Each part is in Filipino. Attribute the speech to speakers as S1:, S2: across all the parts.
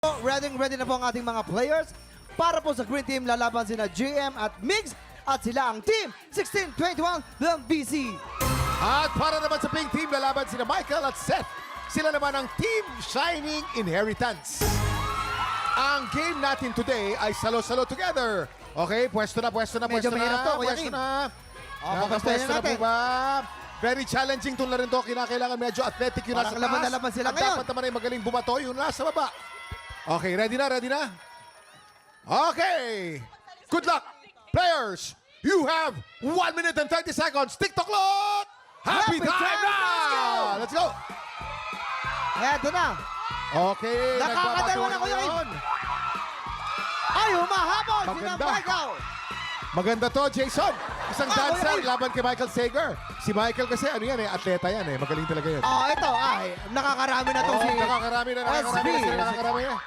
S1: Ready na po ang ating mga players. Para po sa Green Team, lalaban sina GM at Migs at sila ang Team 1621 ng BC.
S2: At para naman sa Pink Team, lalaban sina Michael at Seth. Sila naman ang Team Shining Inheritance. Ang game natin today ay salo-salo together. Okay, pwesto na.
S1: Medyo mahirap to, Kuya Kim.
S2: Nakapwesto na
S1: natin.
S2: po ba? Very challenging itong laro to. Kinakailangan medyo athletic yung nasa
S1: Parang laban na
S2: taas.
S1: laban sila
S2: At
S1: ngayon.
S2: dapat naman ay magaling bumato yung nasa baba. Okay, ready na? Okay. Good luck, players. You have 1 minute and 30 seconds. TikTok clock. Happy time now. Let's go.
S1: Eto na.
S2: Okay.
S1: Nakakadalawa na, Kuya Kim.
S2: ngayon.
S1: Ay, humahabol sina
S2: Maganda.
S1: Michael.
S2: Maganda to, Jason. Isang dancer
S1: Kuya Kim.
S2: laban kay Michael Sager. Si Michael kasi atleta yan eh. Magaling talaga yan.
S1: Ito. Ay, nakakarami na to si
S2: Nakakarami na
S1: SB.
S2: sila. Nakakarami na.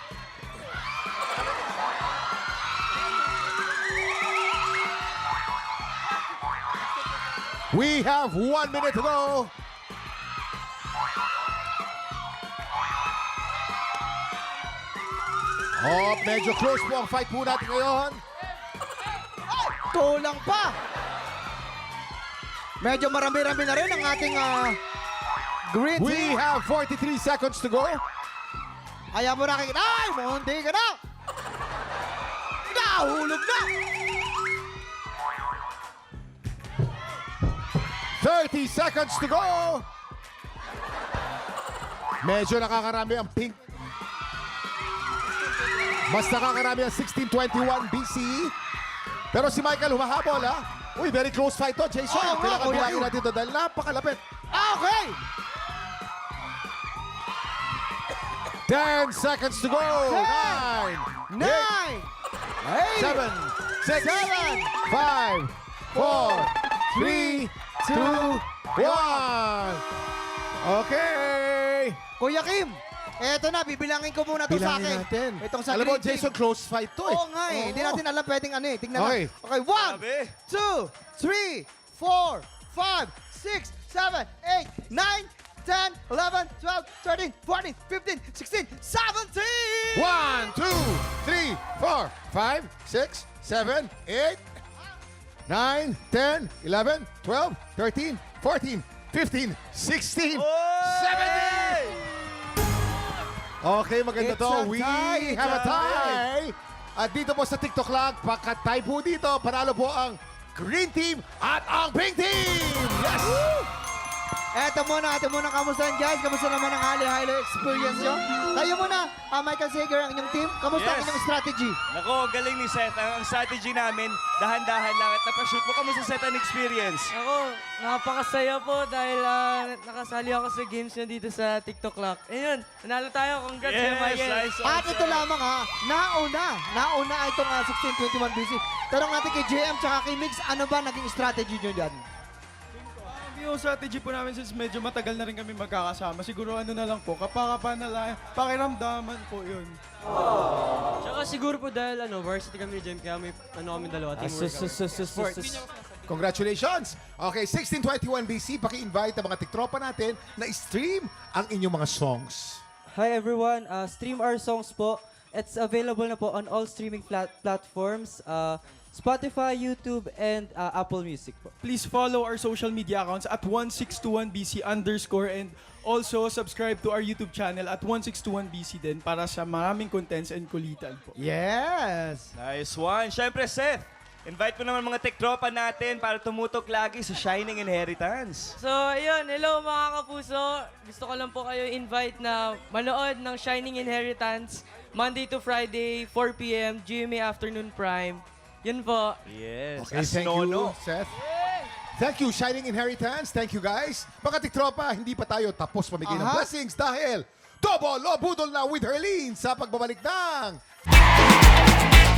S2: We have 1 minute to go. Medyo close po ang fight po natin ngayon.
S1: Kulang pa. Medyo marami-rami na rin ang ating Green
S2: We
S1: Team.
S2: have 43 seconds to go.
S1: Kaya mo nakikita. Ay, munti ka na. Nahulog na.
S2: 30 seconds to go. Medyo nakakarami ang Pink. Mas nakakarami ang 1621 BC. Pero si Michael humahabol ha. Uy, very close fight to, Jason.
S1: Oo nga,
S2: Kailangan
S1: Kuya
S2: bilangin
S1: Kim.
S2: natin to dahil napakalapit.
S1: Okay.
S2: 10 seconds to go.
S1: 9,
S2: 9, 8, 7, 6, 5, 4, 3, 2, 1. Okay.
S1: Kuya Kim, eto na, bibilangin ko muna to sa akin.
S2: Bilangin natin.
S1: Itong sa
S2: Alam mo,
S1: Green Team.
S2: Jason, close fight to eh.
S1: Oo nga eh. Hindi natin alam pwedeng ano eh. Tingnan
S2: Okay.
S1: na. Okay, 1, 2, 3, 4, 5, 6, 7, 8, 9, 10, 11, 12, 13, 14, 15, 16, 17!
S2: 1, 2, 3, 4, 5, 6, 7, 8, 9, 10, 11, 12, 13, 14, 15, 16, 17! Okay, maganda
S1: It's
S2: to.
S1: a
S2: We
S1: tie,
S2: have a
S1: it's a
S2: tie. At dito po sa TikTok lang, pakatay po dito. Panalo po ang Green Team at ang Pink Team! Yes!
S1: Eto muna, kamustahan guys? Kamusta naman ang highly experience nyo? Tayo muna, Michael Sager, ang inyong team. Kamusta ang
S3: Yes.
S1: inyong strategy?
S3: Nako, galing ni Seth. Ang strategy namin, dahan-dahan lang at napashoot mo. Kamusta Seth ang experience?
S4: Ako, napakasaya po dahil nakasali ako sa games nyo dito sa TikTok Clock. Ayun, nanalo tayo. Congrats, Kuya Michael.
S3: nice.
S1: At ito lamang nauna itong 1621 BC. Tanong natin kay JM tsaka kay Mix, ano ba naging strategy nyo dyan?
S5: Yung strategy po namin since medyo matagal na rin kami magkakasama, siguro ano na lang po, kapakapan na lang, pakiramdaman po yun.
S4: Tsaka siguro po dahil varsity kami ni Jem, kaya may kami dalawa, teamwork kami.
S2: Congratulations! Okay, 1621 BC, paki-invite ang mga tiktropa natin na stream ang inyong mga songs.
S6: Hi everyone, stream our songs po. It's available na po on all streaming platforms, Spotify, YouTube, and Apple Music po.
S5: Please follow our social media accounts at 1621BC_ and also subscribe to our YouTube channel at 1621BC din para sa maraming contents and kulitan po.
S1: Yes!
S3: Nice one. Siyempre, Seth, invite mo naman mga tektropa natin para tumutok lagi sa Shining Inheritance.
S4: So, ayun, hello mga kapuso. Gusto ko lang po kayo invite na manood ng Shining Inheritance Monday to Friday, 4 p.m., GMA Afternoon Prime. Yun po.
S3: Yes.
S2: Okay,
S3: As
S2: thank
S3: Nono.
S2: you, Seth. Thank you, Shining Inheritance. Thank you, guys. Mga tiktropa, hindi pa tayo tapos pamigay ng
S1: Aha.
S2: blessings dahil double o budol na with Herlene sa pagbabalik ng